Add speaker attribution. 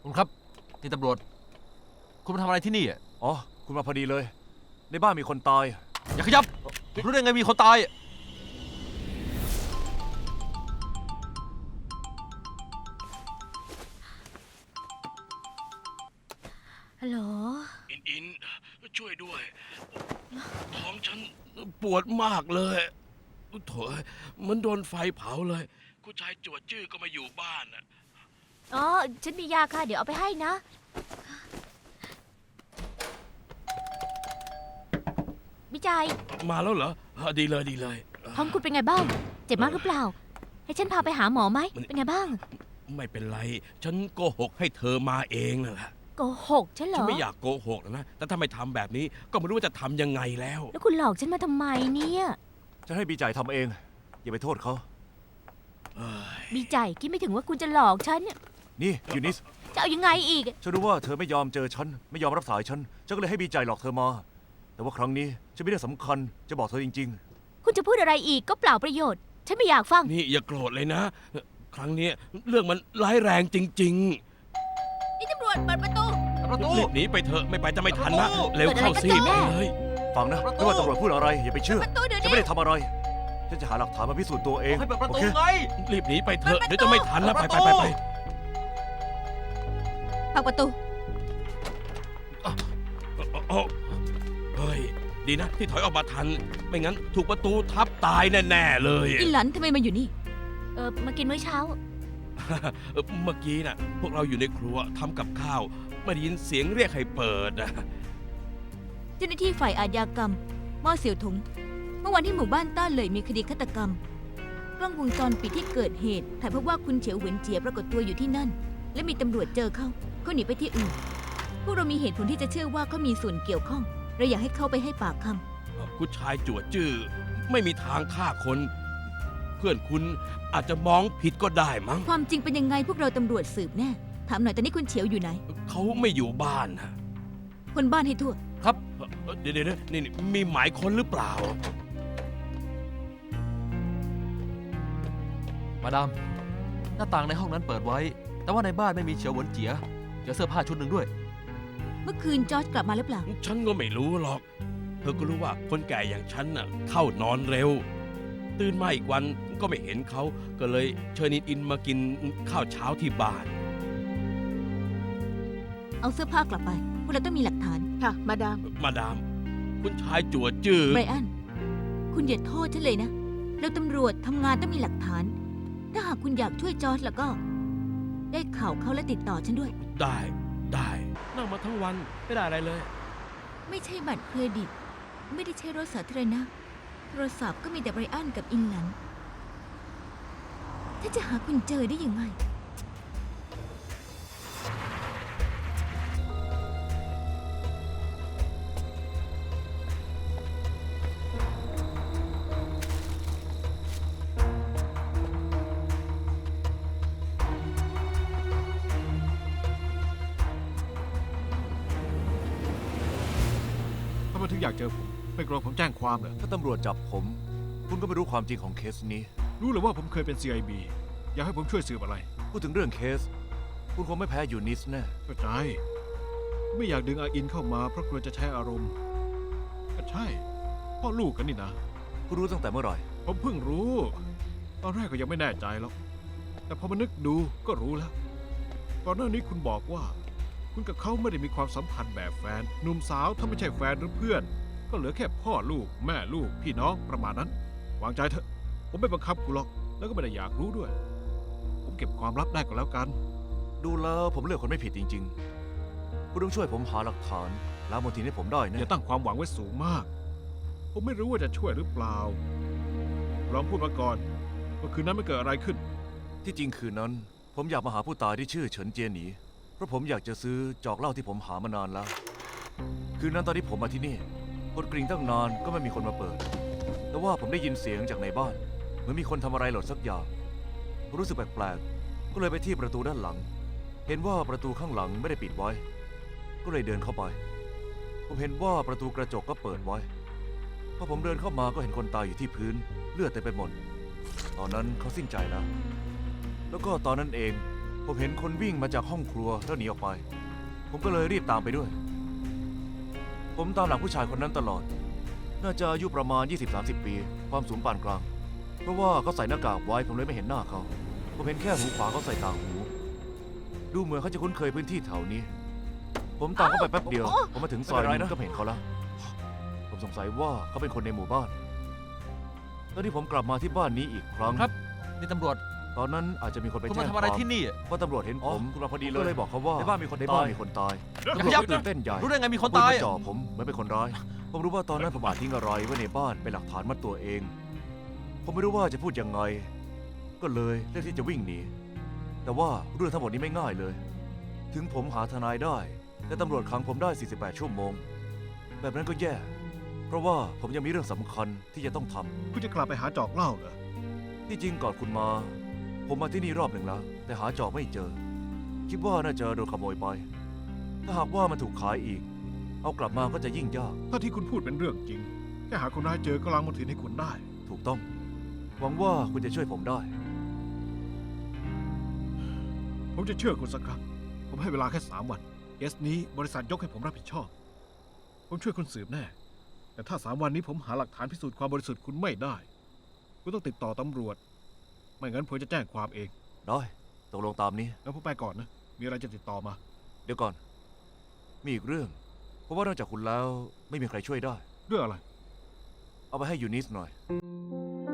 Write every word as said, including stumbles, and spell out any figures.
Speaker 1: คุณครับนี่ตำรวจคุณมาทำอะไรที่นี่อ่ะ
Speaker 2: อ๋อคุณมาพอดีเลย ในบ้านมีคนตาย
Speaker 1: อย่าขยับรู้ได้ไงมีคนตายอะ
Speaker 3: ฮัลโหล
Speaker 4: อินอินช่วยด้วย ท้องฉันปวดมากเลยโถยมันโดนไฟเผาเลยคุณชายจวดจื้อก็มาอยู่บ้านน่ะ
Speaker 3: อ๋อ ฉันมียาค่ะ เดี๋ยวเอาไปให้นะ วิจัย
Speaker 4: มาแล้วเหรออ่ะดีเลยดีเลย
Speaker 3: ท้องคุณเป็นไงบ้าง เจ็บมากหรือเปล่า ให้ฉันพาไปหาหมอไหม เป็นไงบ้าง
Speaker 4: ไม่เป็นไร ฉันโกหกให้เธอมาเองนั่นแหละ
Speaker 3: โกหกฉันเหร
Speaker 4: ฉัน
Speaker 3: อ
Speaker 4: ไม่อยากโกหกนะ แต่ถ้าไม่ทำแบบนี้ก็ไม่รู้ว่าจะทำยังไงแล้ว
Speaker 3: แล้วคุณหลอกฉันมาทำไมเนี่ย
Speaker 2: จะให้บีจ่ายทำเอง อย่าไปโทษเขา
Speaker 4: เอ้ย
Speaker 3: วิจัยคิดไม่ถึงว่าคุณจะหลอกฉันเนี่ย
Speaker 2: นี่ยูนิส
Speaker 3: จะเอายังไงอีก
Speaker 2: ฉันรู้ว่าเธอไม่ยอมเจอฉัน ไม่ยอมรับสายฉัน ฉันก็เลยให้บีจ่ายหลอกเธอมา แต่ว่าครั้งนี้ฉันไม่ได้สำคัญ จะบอกเธอจริง
Speaker 3: คุณจะพูดอะไรอีกก็เปล่าประโยชน์ ฉันไม่อยากฟัง
Speaker 4: นี่อย่าโกรธเลยนะ ครั้งนี้เรื่องมันร้ายแรงจริง
Speaker 3: นี่ตำรวจเปิดประตู
Speaker 1: ประตู
Speaker 4: ๆรีบหนีไปเถอะไม่ไปจะไม่ทันนะ
Speaker 1: ประตู
Speaker 4: เร็วเข้าสิ
Speaker 3: เกิดอะไรกันแน่
Speaker 4: ไปเลย
Speaker 2: ๆ ฟังนะ
Speaker 1: ประตู
Speaker 2: ไม่ว่าตำรวจพูดอะไร อย่าไปเชื่อ
Speaker 3: ประตูเดี๋ยว
Speaker 2: ฉัน
Speaker 3: นี้
Speaker 2: ไม่ได้ทำอะไร ฉันจะหาหลักฐานมาพิสูจน์ตัวเอง
Speaker 1: ให้เปิดประ
Speaker 2: โอ
Speaker 1: ตู
Speaker 2: เค
Speaker 1: ไง
Speaker 4: รีบหนีไปเถอะ
Speaker 3: เปิดประตู
Speaker 4: เดี๋ยวจะไม่ทันนะ ไป
Speaker 1: เปิด
Speaker 4: ไป
Speaker 1: ประตู
Speaker 4: ไปไป
Speaker 3: พักประตู
Speaker 4: โอ้เฮ้ย ดีนะที่ถอยออกมาทัน ไม่งั้นถูกประตูทับตายแน่ๆเลย
Speaker 5: อินหลันทำไมมาอยู่นี่
Speaker 3: เออมากินมื้อเช้า
Speaker 4: เอ่อเมื่อกี้น่ะ พวกเราอยู่ในครัวทำกับข้าวไม่ได้ยินเสียงเรียกให้เปิดนะ
Speaker 5: เจ้าหน้าที่ฝ่ายอาชญากรรมม่อเสี่ยวถง เมื่อวันที่หมู่บ้านต้าเหลยมีคดีฆาตกรรม กล้องวงจรปิดที่เกิดเหตุถ่ายพบว่าคุณเฉียวเหวินเจียปรากฏตัวอยู่ที่นั่น และมีตำรวจเจอเขาเขาหนีไปที่อื่น พวกเรามีเหตุผลที่จะเชื่อว่าเขามีส่วนเกี่ยวข้อง เราอยากให้เขาไปให้ปากคำ
Speaker 4: คุณชายจวดจื้อไม่มีทางฆ่าคน เพื่อนคุณอาจจะมองผิดก็ได้มั้ง
Speaker 5: ความจริงเป็นยังไงพวกเราตำรวจสืบแน่ ถามหน่อยตอนนี้คุณเฉียวอยู่ไหน
Speaker 4: เขาไม่อยู่บ้านนะ
Speaker 5: คนบ้านให้ทั่ว
Speaker 4: ครับเอ่อเดี๋ยวเดี๋ยวนี่นี่มีหมายค้นหรือเปล่า
Speaker 1: มาดาม หน้าต่างในห้องนั้นเปิดไว้ แต่ว่าในบ้านไม่มีเฉียวหวนเจียเจอเสื้อผ้าชุดหนึ่งด้วย
Speaker 5: เมื่อคืนจอร์จกลับมาหรือเปล่า
Speaker 4: ฉันก็ไม่รู้หรอก เธอก็รู้ว่าคนแก่อย่างฉันน่ะเข้านอนเร็ว ตื่นมาอีกวันก็ไม่เห็นเขา ก็เลยเชิญอินอินมากินข้าวเช้าที่บ้าน
Speaker 5: เอาเสื้อผ้ากลับไป พวกเราต้องมีหลักฐาน
Speaker 6: ค่ะ มาดาม
Speaker 4: มาดาม คุณชายจั่วจื้อ
Speaker 5: ไบรอัน คุณอย่าโทษฉันเลยนะ เราตำรวจทำงานต้องมีหลักฐาน ถ้าหากคุณอยากช่วยจอร์จแล้วก็ ได้ข่าวเขาและติดต่อฉันด้วย
Speaker 4: ได้ได้นั่งมาทั้งวันไม่ได้อะไรเลย
Speaker 5: ไม่ใช่บัตรเครดิต ไม่ได้ใช้รถสาธารณะ โทรศัพท์ก็มีแต่ไบรอันกับอินหลัน ถ้าจะหาคุณเจอได้ยังไง
Speaker 7: ทำไมถึงอยากเจอผม ไม่กลัวผมแจ้งความเหรอ
Speaker 2: ถ้าตำรวจจับผม คุณก็ไม่รู้ความจริงของเคสนี้
Speaker 7: รู้เลยว่าผมเคยเป็น ซี ไอ บี อยากให้ผมช่วยสืบอะไร
Speaker 2: พูดถึงเรื่องเคส คุณคงไม่แพ้ยูนิสแน่
Speaker 7: เข้าใจ ไม่อยากดึงอาอินเข้ามาเพราะกลัวจะใช้อารมณ์ ก็ใช่ พ่อลูกกันนี่นะ
Speaker 2: คุณรู้ตั้งแต่เมื่อไหร่
Speaker 7: ผมเพิ่งรู้ ตอนแรกก็ยังไม่แน่ใจหรอก แต่พอมานึกดูก็รู้แล้ว ก่อนหน้านี้คุณบอกว่า คุณกับเขาไม่ได้มีความสัมพันธ์แบบแฟน หนุ่มสาวถ้าไม่ใช่แฟนหรือเพื่อน ก็เหลือแค่พ่อลูก แม่ลูก พี่น้องประมาณนั้น วางใจเถอะ ผมไม่บังคับคุณหรอก แล้วก็ไม่ได้อยากรู้ด้วย ผมเก็บความลับได้ก็แล้วกัน
Speaker 2: ดูแล้วผมเลือกคนไม่ผิดจริง ๆ คุณต้องช่วยผมหาหลักฐานล้างมลทินให้ผมได้
Speaker 7: อย่า
Speaker 2: นะ
Speaker 7: ตั้งความหวังไว้สูงมาก ผมไม่รู้ว่าจะช่วยหรือเปล่า ลองพูดมาก่อนว่าคืนนั้นไม่เกิดอะไรขึ้น
Speaker 2: ที่จริงคืนนั้น ผมอยากมาหาผู้ตายที่ชื่อเฉินเจียหนี เพราะผมอยากจะซื้อจอกเหล้าที่ผมหามานานแล้ว คืนนั้นตอนที่ผมมาที่นี่กดกริ่งตั้งนานก็ไม่มีคนมาเปิด แต่ว่าผมได้ยินเสียงจากในบ้านเหมือนมีคนทำอะไรหล่นสักอย่างผมรู้สึกแปลกๆก็เลยไปที่ประตูด้านหลัง เห็นว่าประตูข้างหลังไม่ได้ปิดไว้ ก็เลยเดินเข้าไป ผมเห็นว่าประตูกระจกก็เปิดไว้พอผมเดินเข้ามาก็เห็นคนตายอยู่ที่พื้นเลือดเต็มไปหมด ตอนนั้นเขาสิ้นใจแล้ว แล้วก็ตอนนั้นเองผมเห็นคนวิ่งมาจากห้องครัวแล้วหนีออกไป ผมก็เลยรีบตามไปด้วย ผมตามหลังผู้ชายคนนั้นตลอด น่าจะอายุประมาณ ยี่สิบถึงสามสิบ ปี ความสูงปานกลาง เพราะว่าเขาใส่หน้ากากไว้ผมเลยไม่เห็นหน้าเขา ผมเห็นแค่หูขวาเขาใส่ต่างหู ดูเหมือนเขาจะคุ้นเคยพื้นที่แถวนี้ ผมตามเขาไปแป๊บเดียว ผมมาถึงซอยนึงก็เห็นเขาแล้ว ผมสงสัยว่าเขาเป็นคนในหมู่บ้าน ตอนที่ผมกลับมาที่บ้านนี้อีกครั้ง
Speaker 1: ครับ นี่ตำรวจ
Speaker 2: ตอนนั้นอาจจะมีคนไป
Speaker 1: คุณ
Speaker 2: แจ้
Speaker 1: มาง ทำอะไร
Speaker 2: ความ
Speaker 1: ที่นี่
Speaker 2: ว่าตำรวจเห็นผม
Speaker 1: คุณมาพอดี
Speaker 2: ผม
Speaker 1: เล
Speaker 2: ก็
Speaker 1: ย
Speaker 2: เลยบอกเขาว่า
Speaker 1: ในบ้านมีคน
Speaker 2: ใน
Speaker 1: ตาย
Speaker 2: บ้านมีคนตาย
Speaker 1: อย่าขยับ
Speaker 2: ตื่นเต้นใหญ่
Speaker 1: รู้ได้ไงมีคน
Speaker 2: เอปื
Speaker 1: ตาย
Speaker 2: มาจ่อผมเหมือนเป็นคนร้าย ผมรู้ว่าตอนนั้นผมอาจทิ้งอะไรไว้ในบ้านเป็นหลักฐานมัดตัวเอง ผมไม่รู้ว่าจะพูดยังไง ก็เลยเลือกที่จะวิ่งหนี แต่ว่าเรื่องทั้งหมดนี้ไม่ง่ายเลย ถึงผมหาทนายได้ แต่ตำรวจขังผมได้ สี่สิบแปด ชั่วโมง แบบนั้นก็แย่ เพราะว่าผมยังมีเรื่องสำคัญที่จะต้องทำ
Speaker 7: คุณจะกลับไปหาจอกเหล้าเหรอ
Speaker 2: ที่จริงก่อนคุณมา ผมมาที่นี่รอบหนึ่งแล้ว แต่หาจอบไม่เจอ คิดว่าน่าจะโดนขโมยไป ถ้าหากว่ามันถูกขายอีก เอากลับมาก็จะยิ่งยาก
Speaker 7: ถ้าที่คุณพูดเป็นเรื่องจริง แค่หาคนร้ายเจอก็ล้างมือถือให้คุณได้
Speaker 2: ถูกต้อง หวังว่าคุณจะช่วยผมได้
Speaker 7: ผมจะเชื่อคุณสักครั้ง ผมให้เวลาแค่สามวันเคสนี้บริษัทยกให้ผมรับผิดชอบ ผมช่วยคุณสืบแน่ แต่ถ้าสามวันนี้ผมหาหลักฐานพิสูจน์ความบริสุทธิ์คุณไม่ได้ คุณต้องติดต่อตำรวจ ไม่งั้นผมจะแจ้งความเอง
Speaker 2: ได้ตกลงตามนี้
Speaker 7: งั้นผมไปก่อนนะ มีอะไรจะติดต่อมา
Speaker 2: เดี๋ยวก่อน มีอีกเรื่อง เพราะว่านอกจากคุณแล้วไม่มีใครช่วยได้
Speaker 7: เรื่องอะไร
Speaker 2: เอาไปให้ยูนิสหน่อย